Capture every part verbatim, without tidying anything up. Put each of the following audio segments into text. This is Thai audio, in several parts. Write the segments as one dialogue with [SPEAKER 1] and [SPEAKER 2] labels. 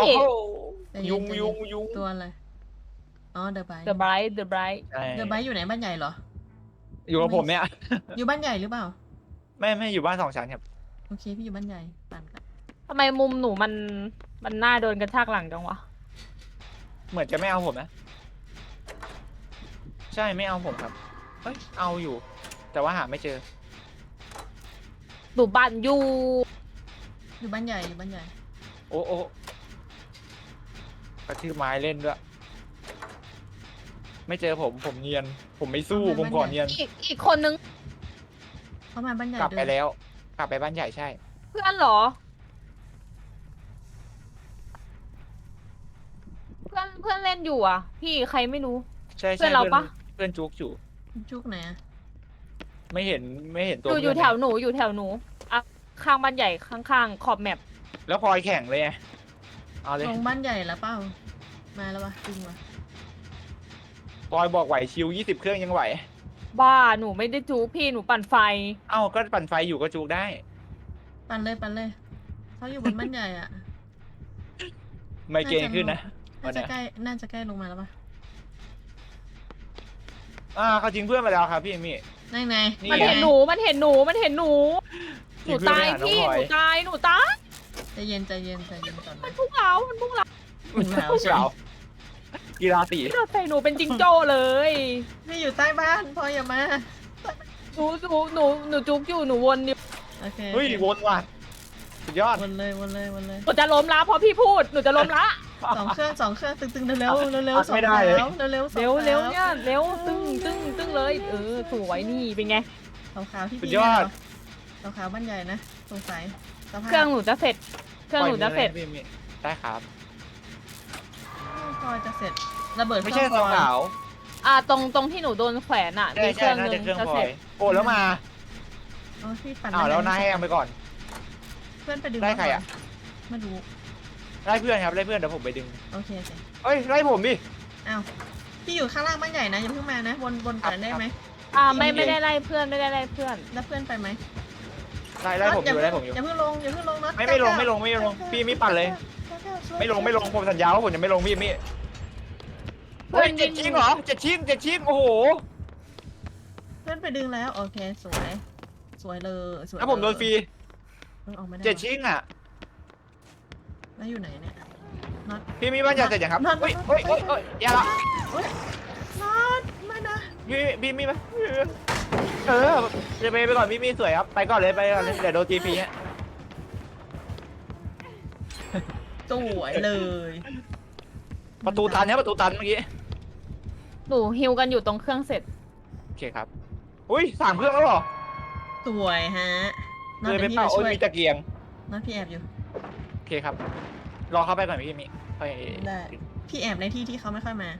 [SPEAKER 1] โอ้โห
[SPEAKER 2] ใจเน
[SPEAKER 1] ยุง
[SPEAKER 2] ใจเน
[SPEAKER 1] ยุงยุง
[SPEAKER 2] ตัวอะไรอ๋อเดอะไบ
[SPEAKER 3] The Bright The Bright
[SPEAKER 1] ใช่
[SPEAKER 2] เดอะไบอยู่ไหนบ้านใหญ่เหรอ
[SPEAKER 1] อยู่กับผมเนี่ย
[SPEAKER 2] อยู่บ้านใหญ่หรือเปล่า
[SPEAKER 1] ไม่ไม่อยู่บ้านสองชั้นครับ
[SPEAKER 2] โอเคพี่อยู่บ้านใหญ่ปั่นกัน
[SPEAKER 3] ทำไมมุมหนูมันมันหน้าโดนกระชากหลังจังวะ
[SPEAKER 1] เหมือนจะไม่เอาผมนะ ใช่ไม่เอาผมครับเฮ้ยเอาอยู่ แต่ว่าหาไม่เจอ
[SPEAKER 3] หนูบ้านอยู่
[SPEAKER 2] อยู่บ้านใหญ่อยู่บ้านใหญ่
[SPEAKER 1] โอ้โอ้กระทืบไม้เล่นด้วย ไม่เจอผมผมเนียน ผมไม่สู้ผมขอเนียน
[SPEAKER 3] อีกอีกคนนึง
[SPEAKER 2] เข้ามาบ้านใหญ่
[SPEAKER 1] กลับไป
[SPEAKER 2] เดิน
[SPEAKER 1] แล้ว กลับไปบ้านใหญ่ใช่
[SPEAKER 3] เพื่อนเหรอ เพื่อนเพื่อนเล่นอยู่อ่ะ พี่ใครไม่รู้
[SPEAKER 1] ใช่
[SPEAKER 3] เพื่
[SPEAKER 1] ใช่
[SPEAKER 3] อนเราปะ
[SPEAKER 1] เพื่อนจุกอยู่
[SPEAKER 2] จุกไหนอะ
[SPEAKER 1] ไม่เห็นไม่เห็นตั
[SPEAKER 3] อ
[SPEAKER 1] ว
[SPEAKER 3] ยู่อยู่
[SPEAKER 1] เพื่น
[SPEAKER 3] แถวหนูอยู่แถวหนูอ่ะข้างบ้านใหญ่ข้างๆขอบแมป
[SPEAKER 1] แล้วพลอยแข่งเลยไงเอาเลย
[SPEAKER 2] ลงบ้านใหญ่แล้วเปล่ามาแล้ววะจริงวะ
[SPEAKER 1] พลอยบอกไหวชิวยี่สิบเครื่องยังไหว
[SPEAKER 3] บ้าหนูไม่ได้จูพี่หนูปั่นไฟ
[SPEAKER 1] เอ้าก็ปั่นไฟอยู่ก็จุกได้
[SPEAKER 2] ปั่นเลยปั่นเลยเขาอยู่บนบ้านใหญ่อะ
[SPEAKER 1] ไมเกรนขึ้นนะ
[SPEAKER 2] น่าจะใกล้น่าจะใกล้ลงมาแล้วปะ
[SPEAKER 1] อ่าเขาจริงเพื่อนไปแล้วครับพี่เอมี่
[SPEAKER 2] นั่นไง
[SPEAKER 1] นี่
[SPEAKER 3] มัน
[SPEAKER 1] ไง
[SPEAKER 3] เห็นหนูมันเห็นหนูมันเห็นหนู ห
[SPEAKER 1] จริ
[SPEAKER 3] นู
[SPEAKER 1] งเพื่อน
[SPEAKER 3] ตาย
[SPEAKER 1] ไปหาน้อง
[SPEAKER 3] พี่
[SPEAKER 1] พลอ
[SPEAKER 3] ห
[SPEAKER 1] ย
[SPEAKER 3] นูตายหนูตาย
[SPEAKER 2] ใจเย็นใจเย็นใจเย็นก่อน
[SPEAKER 3] มั
[SPEAKER 2] นะ
[SPEAKER 3] นพุ่งเรามันพุ่งเรา
[SPEAKER 2] พุ่งเหลา
[SPEAKER 1] พวกเรากีฬาสี
[SPEAKER 3] พี่เราใส่หนูเป็นจิงโจ้เลย
[SPEAKER 2] พี่อยู่ใต้บ้านพออย่ามา
[SPEAKER 3] หนูหนูหนูหนูจุกอยู่หนูวนอยู่
[SPEAKER 2] โอเค
[SPEAKER 1] เฮ้ยวนว่ะสุดยอด
[SPEAKER 2] วนเลยวนเลยวนเลย
[SPEAKER 3] หนูจะล้มละเพราะพี่พูดหนูจะล้มละ
[SPEAKER 2] สองเครื่องสองเครื่องตึงตึงเร็วเร็วเร็ว
[SPEAKER 1] พัก
[SPEAKER 2] สอง
[SPEAKER 1] ไม่ได้
[SPEAKER 2] เท้า
[SPEAKER 1] เลย
[SPEAKER 2] เร็วเร็ว
[SPEAKER 3] เร็วเร็วเนี่ยเร็วตึ้งตึ้งตึ้งเลยเออสวยนี่เป็นไง
[SPEAKER 2] สองขาวที่
[SPEAKER 1] สุด
[SPEAKER 2] พี่
[SPEAKER 1] ยอด
[SPEAKER 2] สองขาวบ้านใหญ่นะสงสัยสภาพ
[SPEAKER 3] เครื่องหนูจะเสร็จ เครื่องหนูจะเสร็จ
[SPEAKER 1] ปล่อยมือลยพี่เอมี่ได้ครับ
[SPEAKER 2] พอจะเสร็จระเบิด
[SPEAKER 1] ไม่ใช่
[SPEAKER 2] เค
[SPEAKER 1] ส
[SPEAKER 2] รื่
[SPEAKER 1] อง
[SPEAKER 2] พล
[SPEAKER 1] ขาว
[SPEAKER 3] อ่าตรงตรงที่หนูโดนแขวนอ่ะ
[SPEAKER 1] ใช่
[SPEAKER 3] มีเค
[SPEAKER 1] ใช่
[SPEAKER 3] รื่อง
[SPEAKER 1] น่า
[SPEAKER 3] หนึ
[SPEAKER 1] จะ
[SPEAKER 3] ง
[SPEAKER 1] เครื่อง
[SPEAKER 3] จะ
[SPEAKER 1] พล
[SPEAKER 3] เส
[SPEAKER 1] อ
[SPEAKER 3] ร็
[SPEAKER 1] ย
[SPEAKER 3] จ
[SPEAKER 1] โอ้แล้วมา
[SPEAKER 2] อ๋อพี่ปั่น
[SPEAKER 1] อ้าวแล้วนายแห้งไปก่อน
[SPEAKER 2] เพื่อนไปดึง
[SPEAKER 1] ได้ใครอะ
[SPEAKER 2] ไม่รู้
[SPEAKER 1] ไล่เพื่อนครับไล่เพื่อนเดี๋ยวผมไปดึง
[SPEAKER 2] โอเคโอเค
[SPEAKER 1] เอ้ยไล่ผมดิ
[SPEAKER 2] อ้าวพี่อยู่ข้างล่างบ้านใหญ่นะอย่าเพิ่งมานะวนวนก่อนได้ไหม
[SPEAKER 3] อ่าไม่ไม่ได้ไล่เพื่อนไม่ได้ไล่เพื่อน
[SPEAKER 2] แล้วเพื่อนไปไหม
[SPEAKER 1] ไล่ไล่ผมอยู่
[SPEAKER 2] น็ต
[SPEAKER 1] ไล่ผมอยู่
[SPEAKER 2] อย่าเพิ่งลงอย่าเพิ่งลงน็อต
[SPEAKER 1] ไม่ไม่ลงไม่ลงไม่ลงพี่ไม่ปั่นเลย ไม่ลงไม่ลงผมสัญญาว่าผมจะไม่ลงพี่เอมี่
[SPEAKER 3] เพื่
[SPEAKER 1] เฮ้
[SPEAKER 3] อย น
[SPEAKER 1] เจ็ดชิ้นเหรอเจ็ดชิ้นเจ็ดชิ้นโอ้โห
[SPEAKER 2] เพื่อนไปดึงแล้วโอเคสวยสวยเลยสวย
[SPEAKER 1] แล้วผมโดนฟรี
[SPEAKER 2] เออออกไม่ได้
[SPEAKER 1] เจ็ดชิ้นอ่ะ
[SPEAKER 2] แล้วอยู่ไหนเนี่ยน็อต
[SPEAKER 1] พี่มีบ้านใหญ่เสร็จยังครับ
[SPEAKER 2] นั่น
[SPEAKER 1] เฮ้ยเฮ้ยเฮ้ยเฮ้ยอย่าละ
[SPEAKER 2] เฮ้ยน็อตไม่นะ
[SPEAKER 1] พี่พี่มีไหมเออจะไปไปก่อนพี่มีสวยครับไปก่อนเลยไปก่อนเลยเดี๋ยวโดนจีพีฮะ
[SPEAKER 2] สวยเลย
[SPEAKER 1] ประตูตันเนี่ยประตูตันเมื่อกี้
[SPEAKER 3] หนูฮิวกันอยู่ตรงเครื่องเสร็จ
[SPEAKER 1] โอเคครับอุ้ยสามเครื่องแล้วเหรอ
[SPEAKER 2] สวยฮะน็อต
[SPEAKER 1] เลยไป
[SPEAKER 2] เดี๋ยวพี่
[SPEAKER 1] เป่า
[SPEAKER 2] มา
[SPEAKER 1] โอ้ย
[SPEAKER 2] ช่วย
[SPEAKER 1] มีตะเกียง
[SPEAKER 2] น็อตพี่แอบอยู่
[SPEAKER 1] โอเคครับรอเข้าไปก่อนพี่มีไป
[SPEAKER 2] ได้พี่แอบในที่ที่เขาไม่ค่อยมา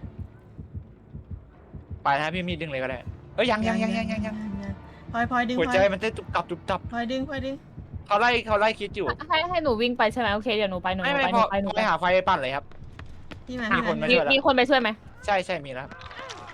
[SPEAKER 1] ไปนะพี่มีดึงเลยก็ได้เอ้ยยังยังยังยังยังยัง
[SPEAKER 2] พลอยพลอยดึง
[SPEAKER 1] หัว
[SPEAKER 2] พล
[SPEAKER 1] ใจ
[SPEAKER 2] อย
[SPEAKER 1] มันเต้นตุบตับตุบตับ
[SPEAKER 2] พลอยดึงพลอยดึง
[SPEAKER 1] เขาไล่เขาไล่คิดอยู่
[SPEAKER 3] ให้ให้หนูวิ่งไปใช่ไหมโอเคเดี๋ยวหนูไปหนู
[SPEAKER 1] ไม่
[SPEAKER 3] หนู
[SPEAKER 1] ไม่
[SPEAKER 3] ไปห
[SPEAKER 1] พ
[SPEAKER 3] นู
[SPEAKER 1] อ
[SPEAKER 3] ไปหนู
[SPEAKER 1] ไป
[SPEAKER 3] ไป
[SPEAKER 1] หาไฟปั่นเลยครับ
[SPEAKER 2] พี่มา
[SPEAKER 1] มี
[SPEAKER 2] พี่
[SPEAKER 1] คน
[SPEAKER 2] มา
[SPEAKER 1] มา
[SPEAKER 3] มีมีคนไปช่วยไหม
[SPEAKER 1] ใช่ใช่มีแล้วครับ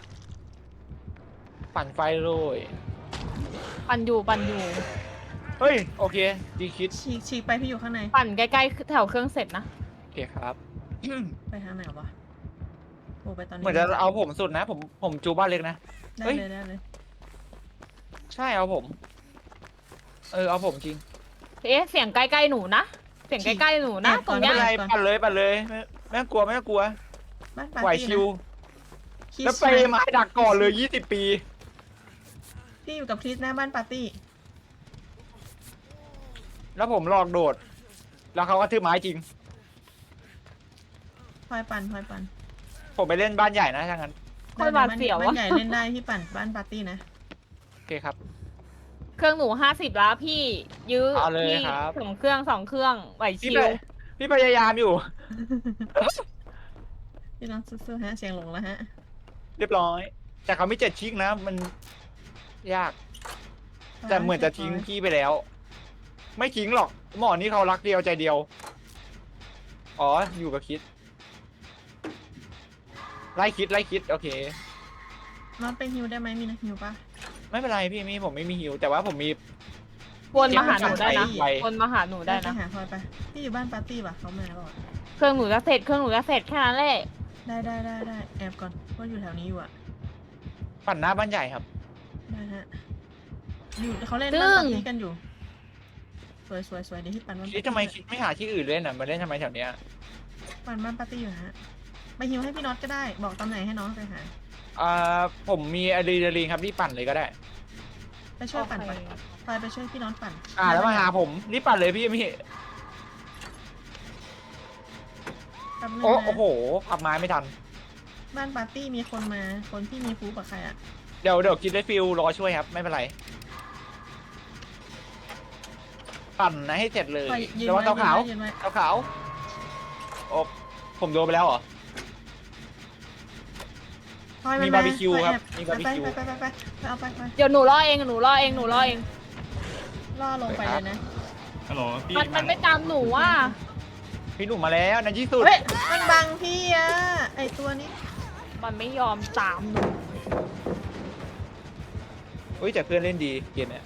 [SPEAKER 1] ปั่นไฟเลย
[SPEAKER 3] ปั่นอยู่ปั่นอยู่
[SPEAKER 1] เฮ้ยโอเคดีคิด
[SPEAKER 2] ฉีกฉีกไปพี่อยู่ข้างใน
[SPEAKER 3] ปั่นใกล้ๆแถวเครื่องเสร็จนะ
[SPEAKER 1] โอเคครับ
[SPEAKER 2] ไปทางไหนวะโอ้ไปตอนนี้
[SPEAKER 1] เหมือนจะเอาผมสุดนะ ผมผมจูบ้านเล็กนะ
[SPEAKER 2] ได้
[SPEAKER 1] เฮ้ย
[SPEAKER 2] เลยได้เลย
[SPEAKER 1] ใช่เอาผม เออเอาผมจริง
[SPEAKER 3] เอ๊ะเสียงใกล้ๆหนูนะเสียงใกล้ๆหนูนะตรง
[SPEAKER 1] ไม่
[SPEAKER 3] เนี้ย
[SPEAKER 1] เป็นไรปั่นเลยปั่นเลยไม่ไม่ต้องกลัวไม่ต้องกลัว
[SPEAKER 2] บ้านปาร์
[SPEAKER 1] ไหว
[SPEAKER 2] ตี้
[SPEAKER 1] ชิว
[SPEAKER 2] นะคิ
[SPEAKER 1] แล้ว
[SPEAKER 2] ส
[SPEAKER 1] ไปไม้ดักก่อนเลยยี่สิบปี
[SPEAKER 2] พี่อยู่กับคริสหน้าบ้านปาร์ตี้
[SPEAKER 1] แล้วผมหลอกโดด แล้วเขาก็ทืบไม้จริง
[SPEAKER 2] พลอยปั่นพลอยปั่น
[SPEAKER 1] ผมไปเล่นบ้านใหญ่นะถ้างั้น
[SPEAKER 3] โคนหวาดเสียว
[SPEAKER 2] บ้าน
[SPEAKER 3] วะ
[SPEAKER 2] ใหญ่เล่นได้พี่ปั่นบ้านปาร์ตี้นะ
[SPEAKER 1] โอเคครับ
[SPEAKER 3] เครื่องหนูห้าสิบแล้วพี่ยื้อ
[SPEAKER 1] เอาเลย
[SPEAKER 3] พี่
[SPEAKER 1] ครับ
[SPEAKER 3] สองเครื่องสองเครื่องไหว
[SPEAKER 1] พี่
[SPEAKER 3] ชิ
[SPEAKER 1] ไป
[SPEAKER 3] ว
[SPEAKER 1] พี่พยายามอยู่
[SPEAKER 2] พี่น้องสู้ๆฮะเสียงหลงแล้วฮะ
[SPEAKER 1] เรียบร้อย แต่เขาไม่เจ็ดชิกนะ มันยาก แต่เหมือนจะทิ้งพี่ไปแล้ว ไม่ทิ้งหรอก หมอนี่เขารักเดียวใจเดียว อ๋อ อยู่กับคิด ไล่คิดไล่คิด โอเค
[SPEAKER 2] น็อตเป็นฮิวได้ไหมมีนะฮิวปะ
[SPEAKER 1] ไม่เป็นไรพี่มีผมไม่มีฮิว แต่ว่าผมมี
[SPEAKER 3] วนมาหาหนูได้นะ
[SPEAKER 1] ไป
[SPEAKER 3] วนมาหาหนูได้
[SPEAKER 2] ไป
[SPEAKER 3] นะ
[SPEAKER 2] หาพลอยไปพี่อยู่บ้านปาร์ตี้ป่ะเขามาหรอ
[SPEAKER 3] เครื่องหนูจะเสร็จเครื่องหนูจะเสร็จแค่นั้นแหละ
[SPEAKER 2] ได้ได้ได้ได้แอบก่อนว่าอยู่แถวนี้อยู่อะ
[SPEAKER 1] ปั่นหน้าบ้านใหญ่ครับ
[SPEAKER 2] ได้ฮะอยู่เขาเล่นบ้านปาร์ตี้กันอยู่สวยสวยสวยเดี๋ยวที่ปั่นบ้าน
[SPEAKER 1] คิดทำไมคิดไม่หาที่อื่นเล่นอ่ะมาเล่นทำไมแถวเนี้ย
[SPEAKER 2] ปั่นบ้านปาร์ตี้อยู่ฮะไปฮิวให้พี่น็อตก็ได้บอกตำแหน่งให้น้องไปหา
[SPEAKER 1] อ่าผมมีอะดรีนาลีนครับรีบปั่นเลยก็ได้
[SPEAKER 2] ไปช่วยปั่นไปพลอยไปช่วยพี่น็อตปั่น
[SPEAKER 1] อ่าแล้วมาหาผมรีบปั่นเลยพี่พี่
[SPEAKER 2] แป๊บนึง
[SPEAKER 1] โอ้
[SPEAKER 2] นะ
[SPEAKER 1] โอ้โหขับไม้ไม่ทัน
[SPEAKER 2] บ้านปาร์ตี้มีคนมาคนที่มีฟูกับใครอะ
[SPEAKER 1] เดี๋ยวเดี๋ยวคิดได้ฟิลรอช่วยครับไม่เป็นไร ปั่นนะให้เสร็จเลย
[SPEAKER 2] พลอยยืน
[SPEAKER 1] ระวั
[SPEAKER 2] ไว้
[SPEAKER 1] งเตาขาว
[SPEAKER 2] ยืนไว้
[SPEAKER 1] เตาขาวโอ้ผมโดนไปแล้วเหรอ
[SPEAKER 2] พลอยน
[SPEAKER 1] มีบาร์บีคิวครับ
[SPEAKER 2] แอ
[SPEAKER 1] มีบาร์บีคิว
[SPEAKER 2] ไปไปไปไปไปไปเอาไปไป
[SPEAKER 3] เดี๋ยวหนูรอเองหนูรอเองหนูรอเอง
[SPEAKER 2] ล่อลงไปเลยนะ
[SPEAKER 4] ฮัลโหลพี่
[SPEAKER 3] มันมันไม่ตามหนูอ่ะ
[SPEAKER 1] พี่หนุ่มมาแล้วในที่สุด
[SPEAKER 2] เฮ้ยมันบังพี่อะไอตัวนี้
[SPEAKER 3] มันไม่ยอมตามหนู
[SPEAKER 1] เฮ้ยแต่เพื่อนเล่นดีเกมเนี้ย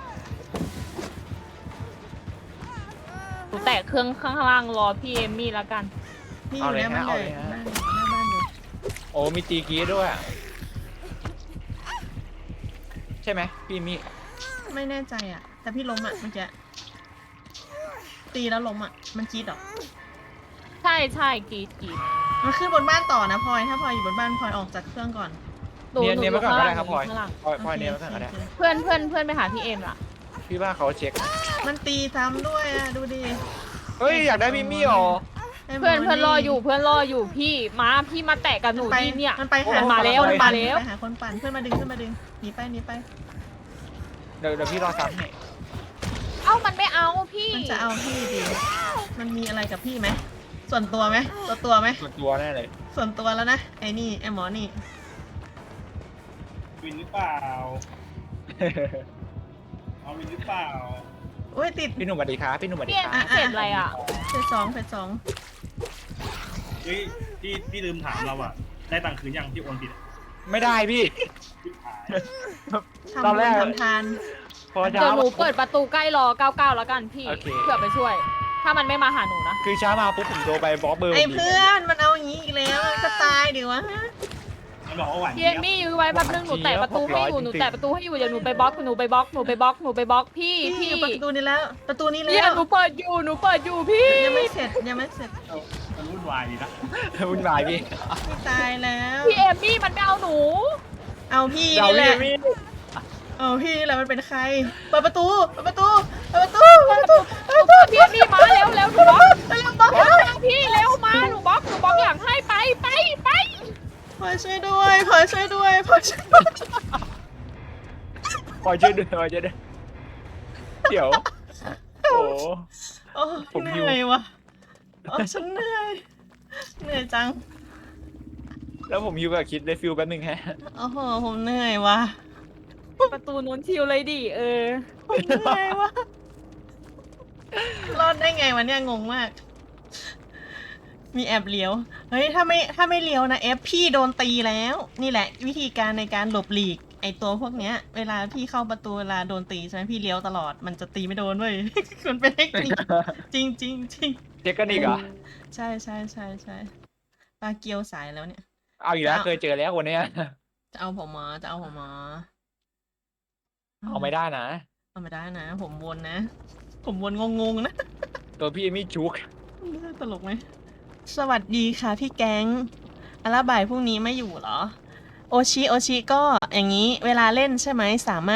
[SPEAKER 3] หนูแตะเครื่องข้างล่างรอพี่เอมมี่แล้วกัน
[SPEAKER 2] พี่อยู่หน้าบ้านใหญ่หน้าหน้าบ้านอยู่
[SPEAKER 1] โอ้มีตีกี้ด้วยอะใช่ไหมพี่มี
[SPEAKER 2] ไม่แน่ใจอะแต่พี่ล้มอะเมื่อกี้ตีแล้วล้มอะมันจี๊ดเหรอ
[SPEAKER 3] ใช่ใช่กรีดกรีด
[SPEAKER 2] มันขึ้นบนบ้านต่อนะพลอยถ้าพลอยอยู่บนบ้านพลอยออกจากเครื่องก่อน
[SPEAKER 3] หนู
[SPEAKER 1] เนียน
[SPEAKER 3] หนู
[SPEAKER 1] เนียน
[SPEAKER 3] อ
[SPEAKER 1] ไว้
[SPEAKER 3] ยู่
[SPEAKER 1] ก่อน
[SPEAKER 3] ข้าง
[SPEAKER 1] ก็
[SPEAKER 3] ล่าง
[SPEAKER 1] ได้ครับพลอย
[SPEAKER 3] ข้างล่าง
[SPEAKER 1] พลอยพลอย
[SPEAKER 2] โอ
[SPEAKER 1] เนียนไว้ก่อนก็ได้
[SPEAKER 2] โอเค
[SPEAKER 3] เพื่อนเพื่อนเพื่อนไปหาพี่เอมล่ะ
[SPEAKER 1] พี่ว่าเขาเช็ค
[SPEAKER 2] มันตีซ้ำด้วยอะดูดิ
[SPEAKER 1] เฮ้ยอยากได้พี่มี่หรอ
[SPEAKER 2] ไหม
[SPEAKER 3] เพื่อนเพื่อนรออยู่เพื่อนรออยู่พี่มาพี่มาแตะกับหนู
[SPEAKER 2] ไป
[SPEAKER 3] ดิเนี่ย
[SPEAKER 2] มันไปหา
[SPEAKER 3] มาแล้ว
[SPEAKER 2] คน
[SPEAKER 3] มา
[SPEAKER 2] ปั่น
[SPEAKER 3] แล้ว
[SPEAKER 2] ไปหาคนปั่นเพื่อนมาดึงเพื่อนมาดึงหนีไปหนีไป
[SPEAKER 1] เดี๋ยวเดี๋ยวพี่รอซ้ำให้
[SPEAKER 3] เอ้ามันไม่เอาพี่
[SPEAKER 2] มันจะเอาพี่ดิมันมีอะไรกับพี่ไหมส่วนตัวไหมตัวตัวไหม
[SPEAKER 1] ส่วนตัวแน่เลย
[SPEAKER 2] ส่วนตัวแล้วนะไอ้นี่ไอ้หมอนี่
[SPEAKER 4] วินหรือเปล่า เอาวินหรือเปล่า
[SPEAKER 2] อุ้ยติด
[SPEAKER 1] พี่หนุ่มสวัสดีครับพี่หนุ่มสวัสดี
[SPEAKER 3] พี่เอ
[SPEAKER 1] ค
[SPEAKER 3] ม
[SPEAKER 1] รับ
[SPEAKER 3] มี่เสร็จอะไรอ่ะ
[SPEAKER 2] เฟสสองเฟสสอง
[SPEAKER 4] เฮ้ยพี่พี่ลืมถามเราอะได้ตังค์คืนยังที่โอนผิดอะ
[SPEAKER 1] ไม่ได้พี่
[SPEAKER 4] พี่หาย
[SPEAKER 2] ทำ
[SPEAKER 1] ตอน
[SPEAKER 2] บุ
[SPEAKER 1] แร
[SPEAKER 2] ญ
[SPEAKER 1] ก
[SPEAKER 2] ทำทาน
[SPEAKER 1] พอ
[SPEAKER 3] เดี๋
[SPEAKER 1] เช้า
[SPEAKER 3] ยวหนูเปิดประตูใกล้รอเก้าเก้าแล้วกันพี่
[SPEAKER 1] โอเค
[SPEAKER 3] เผื่อไปช่วย ถ้ามันไม่มาหาหนูนะ
[SPEAKER 1] คือเช้ามาปุ๊บผมโทรไปบล็อกเบอร์
[SPEAKER 2] ไอ้
[SPEAKER 1] ผมดี
[SPEAKER 2] เพื่อนมันเอาอย่างนี้อีกแล้วมันก็ตายดิวะ
[SPEAKER 4] มันบอกว่าหวาน
[SPEAKER 3] พี่
[SPEAKER 4] เจี๊
[SPEAKER 3] เอย
[SPEAKER 4] บ
[SPEAKER 3] มี่ยื้อไว้แป๊บนึงหนูแตะประตูให้อยู่หนูแตะประตูให้อยู่เดี๋ยวหนูไปบล็อกหนูไปบล็อกหนูไปบล็อกหนูไปบล็อกพี่
[SPEAKER 2] พี่
[SPEAKER 3] พี่
[SPEAKER 2] อยู่ประตูนี้แล้ว ประตูนี้
[SPEAKER 3] เนี่
[SPEAKER 2] แล้
[SPEAKER 3] ยว หนูเปิดอยู่หนูเปิดอยู่พี่
[SPEAKER 2] ยังไม่เสร็จยังไม่เสร็จ
[SPEAKER 4] มันวุ่นวายดีนะ
[SPEAKER 1] วุ่นวายพี่
[SPEAKER 2] พี่ตายแล้ว
[SPEAKER 3] พี่เอมมี่มันไม่เอาหนู
[SPEAKER 2] เอาพี่
[SPEAKER 1] เรา
[SPEAKER 2] นี่แห
[SPEAKER 1] พี่
[SPEAKER 2] ละ
[SPEAKER 1] มี่
[SPEAKER 2] เอาพี่นี่แหละมันเป็นใครเปิดประตูเปิดประตูเปิดประตูเปิดประตูเปิดประตู
[SPEAKER 3] พี่เอมมี่มาเร็วเร็วหนูบล็อก
[SPEAKER 2] เร็วบล็อก
[SPEAKER 3] เร็วเร็วพี่เร็วมาหนูบล็อกหนูบล็อกหลังให้ไปไปไป
[SPEAKER 2] พลอยช่วยด้วยพลอยช่วยด้วยพลอยช่วยด้วย
[SPEAKER 1] คอยช่วยด้วยคอยช่วยด้วยเดี๋ยวโอ้
[SPEAKER 2] โอ้
[SPEAKER 1] ผม
[SPEAKER 2] เห
[SPEAKER 1] หิว
[SPEAKER 2] นื่อยวะโอ้ฉันเหนื่อยเหนื่อยจัง
[SPEAKER 1] แล้วผมอยู่กับคิดได้ฟิลแป๊บนึงฮะ
[SPEAKER 2] โอ้โหผมเหนื่อยวะ
[SPEAKER 3] ประตูนู้นชิวเลยดิเออ
[SPEAKER 2] ผมเหนื่อยวะรอดได้ไงวะเนี่ยงงมาก มีแอบเลี้ยว เฮ้ยถ้าไม่ถ้าไม่เลี้ยวนะเอฟพี่โดนตีแล้ว นี่แหละ วิธีการในการหลบหลีก ไอตัวพวกเนี้ย เวลาพี่เข้าประตูเวลาโดนตีใช่ไหมพี่เลี้ยวตลอดมันจะตีไม่โดนเว้ย มันเป็นเทคนิคจริงจริงจริง
[SPEAKER 1] เช็คกันอีกเหรอ
[SPEAKER 2] ใช่ใช่ใช่ใช่ปลาเกียวสายแล้วเนี่ย
[SPEAKER 1] เอาอีกแล้วเคยเจอแล้ววันเนี้ย
[SPEAKER 2] จะเอาผมมาจะเอาผมมา
[SPEAKER 1] เอาไม่ได้นะ
[SPEAKER 2] เอาไม่ได้นะ ผมวนนะ ผมวนงงๆนะ
[SPEAKER 1] ตัวพี่เอมี่จุก
[SPEAKER 2] ตลกไหม สวัสดีค่ะพี่แก๊งอาราบ่ายพรุ่งนี้ไม่อยู่เหรอ โอชิ โอชิก็อย่างนี้เวลาเล่นใช่ไหมสามารถ